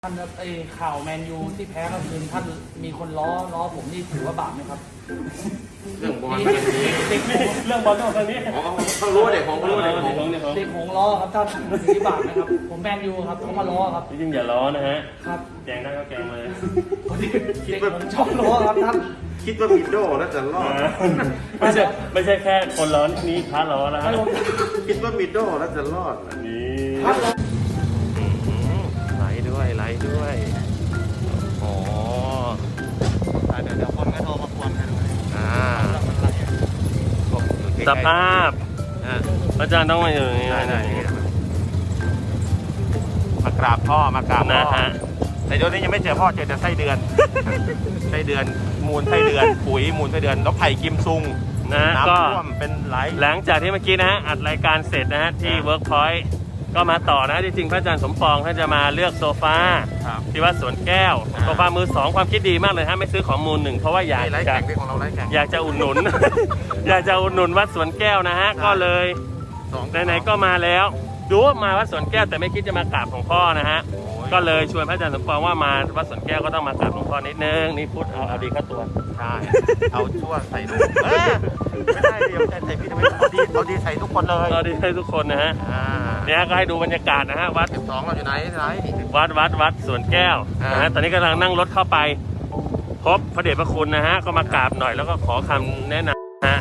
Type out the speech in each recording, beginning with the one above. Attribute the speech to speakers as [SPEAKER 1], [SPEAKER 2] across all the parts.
[SPEAKER 1] ท่านครับไอ้ข่าวแมนยูที่แพ้ก็คือท่านมีคนล้อผมนี่ถือว่าบาปไหมครับ
[SPEAKER 2] เรื่องบอลเรื่องนี้
[SPEAKER 1] เด็กหง
[SPEAKER 3] เรื่องบอลต้องทางนี้
[SPEAKER 2] เขารู้เด็กของเขารู้เด็กของ
[SPEAKER 1] เด็กหงล้อครับท่านถือว่าบาปไหมครับผมแมนยูครับเขามาล้อครับ
[SPEAKER 3] จริงๆอย่าล้อนะฮะ
[SPEAKER 1] ครับ
[SPEAKER 3] แกงได้ก็แกงเลย
[SPEAKER 1] เด็กผมชอบล้อครับท่าน
[SPEAKER 2] คิดว่ามิโดแล้วจะรอด
[SPEAKER 3] ไม่ใช่แค่คนล้อนี่พระล้อนะฮะ
[SPEAKER 2] คิดว่ามิโดแล้วจะรอด
[SPEAKER 3] นี่
[SPEAKER 1] ครับ
[SPEAKER 3] ไหลด้วยไหลด้วยโอ้
[SPEAKER 2] เดี๋ยวคนก็โทรมาควนกันเลย
[SPEAKER 3] สภาพอาจารย์ต้องมาอยู่นี่
[SPEAKER 2] ได้มากราบพ่อมากราบพ่
[SPEAKER 3] นะ
[SPEAKER 2] อ
[SPEAKER 3] ฮะ
[SPEAKER 2] แต่เดี๋ยวนี้ยังไม่เจอพ่อเจอแต่ไส้เดือน ไส้เดือนมูลไส้เดือนปุ๋ยมูลไส้เดือนแล้วไผ่กิมซุง
[SPEAKER 3] นะฮะ
[SPEAKER 2] น้ำ
[SPEAKER 3] ก็
[SPEAKER 2] ท่วมเป็นไหล
[SPEAKER 3] หลังจากที่เมื่อกี้นะฮะอัดรายการเสร็จนะฮะที่ Workpoint ก็มาต่อนะจริงๆพระอาจารย์สมปองท่านจะมาเลือกโซฟา
[SPEAKER 2] ครับ
[SPEAKER 3] ที่วัดสวนแก้วโซฟามือสองความคิดดีมากเลยฮะไม่ซื้อของมือหนึ่งเพราะว่าอยาก
[SPEAKER 2] นี่ไร้
[SPEAKER 3] จะ
[SPEAKER 2] แข่งที่ของเราไร้แข่ง
[SPEAKER 3] อยากจะอุดหนุน อยากจะอุดหนุนวัดสวนแก้วนะฮะก็เลยไหนๆก็มาแล้วดูว่ามาวัดสวนแก้วแต่ไม่คิดจะมากราบของพ่อนะฮะก็เลยชวนพระอาจารย์สมปองว่ามาวัดสวนแก้วก็ต้องมากราบหลวงพ่อนิดนึงนี่พูดเอาดีเข้าตัว
[SPEAKER 2] ใช่เอาชั่วใส่ลูกไม่ได้เดี๋ยวใส่พี่ทำไมเอาดีใส่ทุกคนเลย
[SPEAKER 3] ก็ดีให้ทุกคนนะฮะเนี่ยก็ให้ดูบรรยากาศนะฮะวัด
[SPEAKER 2] 12เราอยู่ไหน
[SPEAKER 3] วัดสวนแก้วนะฮะตอนนี้กำลังนั่งรถเข้าไปพบพระเดชพระคุณนะฮะก็มากราบหน่อยแล้วก็ขอคำแนะนำนะฮะ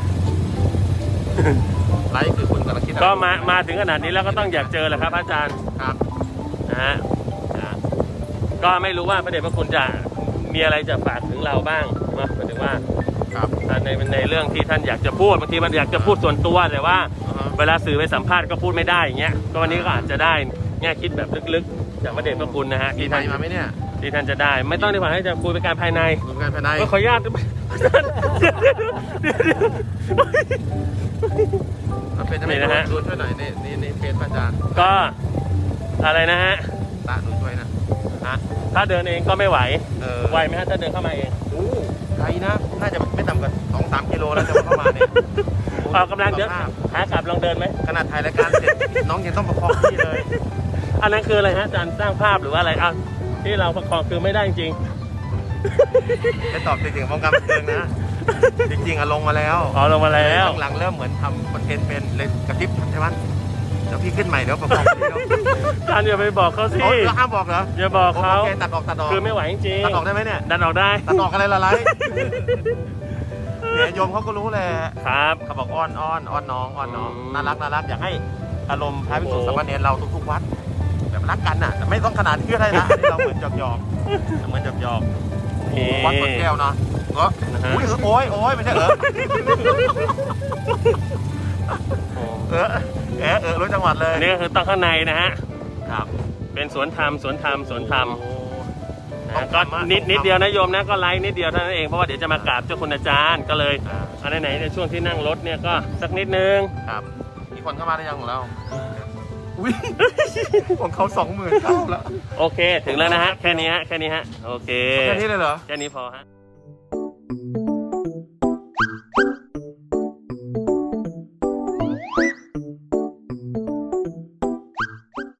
[SPEAKER 2] ไลฟ์คือคุณกำลังคิด
[SPEAKER 3] ก็มาถึงขนาดนี้แล้วก็ต้องอยากเจอแหละครับอาจารย์
[SPEAKER 2] ครับ
[SPEAKER 3] นะฮะก็ไม่รู้ว่าพระเดชพระคุณจะมีอะไรจะฝากถึงเราบ้างนะหมายถึงว่า
[SPEAKER 2] ครับ
[SPEAKER 3] ในเรื่องที่ท่านอยากจะพูดบางทีมันอยากจะพูดส่วนตัวแต่ว่า เวลาสื่อไปสัมภาษณ์ก็พูดไม่ได้อย่างเงี้ยก็วันนี้ก็อาจจะได้แง่คิดแบบลึกๆจากพระเดชพระคุณนะฮะ
[SPEAKER 2] มี
[SPEAKER 3] ที่
[SPEAKER 2] ไม
[SPEAKER 3] ท่าน
[SPEAKER 2] ค์มาไหมเนี่ย
[SPEAKER 3] ที่ท่านจะได้ ไม่ต้องดีกว่าให้จะคุยเป็นการภายใน
[SPEAKER 2] รวมกันภายใน
[SPEAKER 3] ก็ขออนุญาต
[SPEAKER 2] เป็นจะไม่
[SPEAKER 3] นี่นะฮะ
[SPEAKER 2] ดูช่วยหน่อยนี่เพจพระอาจารย์
[SPEAKER 3] ก็อะไรนะฮะ
[SPEAKER 2] ตาดูช่วยนะ
[SPEAKER 3] ถ้าเดินเองก็ไม่ไหว
[SPEAKER 2] ไห
[SPEAKER 3] วไหมฮะถ้าเดินเข้ามาเอง
[SPEAKER 2] โอ้ไกลนะน่าจะไม่ต่ำกว่า2-3 กิโลแล้วจะเข้ามาเนี่ย
[SPEAKER 3] ออกกำลังเดี๋ยวขากลับลองเดินไหม
[SPEAKER 2] ขนาดถ่ายรายการเสร็จน้องยังต้องประคองพี่เลย
[SPEAKER 3] อันนั้นคืออะไรฮะอาจารย์สร้างภาพหรือว่าอะไรอ่ะที่เราประคองคือไม่ได้จริง
[SPEAKER 2] ไปตอบจริงๆวงการบันเทิงนะ จริงๆลงมาแล้ว
[SPEAKER 3] อ๋อลงมาแล้ว
[SPEAKER 2] หลังๆเริ่มเหมือนทำคอนเทนต์เป็นเลยกระติบใช่ไหมเดี๋ยวพี่ขึ้นใหม่เดี๋ยวประคองพี่แล้ว
[SPEAKER 3] อาจารย์อย่าไปบอกเขาสิ
[SPEAKER 2] โอ้ยห้ามบอกเหรอ
[SPEAKER 3] อย่าบอกเขา
[SPEAKER 2] โอเคตัดออก
[SPEAKER 3] คือไม่ไหวจริง
[SPEAKER 2] ตัดออกได้ไหมเนี่ย
[SPEAKER 3] ดันออกได้
[SPEAKER 2] ตัดออกอะไรละไรเนี่ยโยมเขาก็รู้แหละ
[SPEAKER 3] ครับ
[SPEAKER 2] เขาบอกอ้อนน้อง
[SPEAKER 3] อืม
[SPEAKER 2] น่ารักอยากให้อารมณ์พระภิกษุสามเณรเราทุกๆวัดแบบรักกันน่ะแต่ไม่ต้องขนาดที่ได้นะอันนี้เราเหมือนหยอกวัดสวนแก้วเนาะอุ้ยโอ้ยไม่ใช่รู้จังหวัดเลย
[SPEAKER 3] อันนี้ก็คือต้องข้างในนะฮะ
[SPEAKER 2] ครับ
[SPEAKER 3] เป็นสวนธรรมนะก็
[SPEAKER 2] ต้องทำ
[SPEAKER 3] นิดเดียวนะโยมนะก็ไลฟ์นิดเดียวเท่านั้นเองเพราะว่าเดี๋ยวจะมากราบเจ้าคุณอาจารย์ก็เลยอันไหนในช่วงที่นั่งรถเนี่ยก็สักนิดนึง
[SPEAKER 2] ครับมีคนเข้ามาได้ยังของเราอุ้ยของเขา20,000เข้าแล้ว
[SPEAKER 3] โอเคถึงแล้วนะฮะแค่นี้ฮะโอเค
[SPEAKER 2] แค่นี้เลยเหรอ
[SPEAKER 3] แค่นี้พอฮะ